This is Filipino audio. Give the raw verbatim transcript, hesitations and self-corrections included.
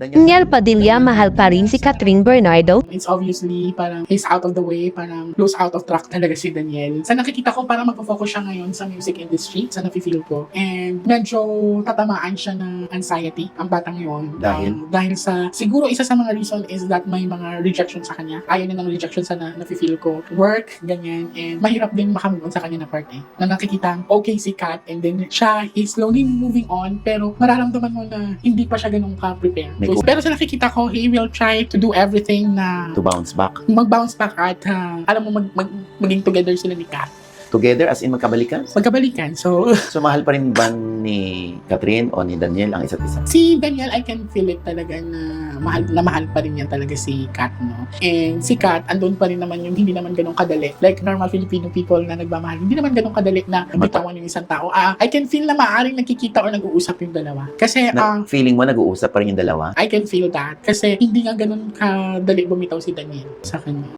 Daniel Padilla, mahal pa rin si Catherine Bernardo. It's obviously parang he's out of the way, parang lose out of track talaga si Daniel. Sa nakikita ko, parang magpo-focus siya ngayon sa music industry, sa nafe-feel ko. And medyo tatamaan siya ng anxiety, ang batang yun. Dahil? Um, dahil sa, siguro isa sa mga reason is that may mga rejection sa kanya. Ayaw niya ng rejection sa na, nafe-feel ko. Work, ganyan. And mahirap din makamove on sa kanya na part eh. Na nakikita, okay si Kat, and then siya is slowly moving on, pero mararamdaman mo na hindi pa siya ganun ka-prepare. May So, ku- pero sa nakikita ko, he will try to do everything na To bounce back. mag-bounce back at uh, alam mo, mag, mag, maging together sila ni Kat. Together as in magkabalikan? Magkabalikan. So, So mahal pa rin ba ni Catherine o ni Daniel ang isa't isa? si Daniel, I can feel it talaga na mahal na mahal pa rin yan talaga si Kat, no? And si Kat, andun pa rin naman yung hindi naman ganun kadali. Like normal Filipino people na nagmamahal, hindi naman ganun kadali na bitawan yung isang tao. Ah, I can feel na maaaring nakikita or nag-uusap yung dalawa. Kasi, Na, ah, feeling mo nag-uusap pa rin yung dalawa? I can feel that. Kasi hindi nga ganun kadali bumitaw si Daniel sa kanya.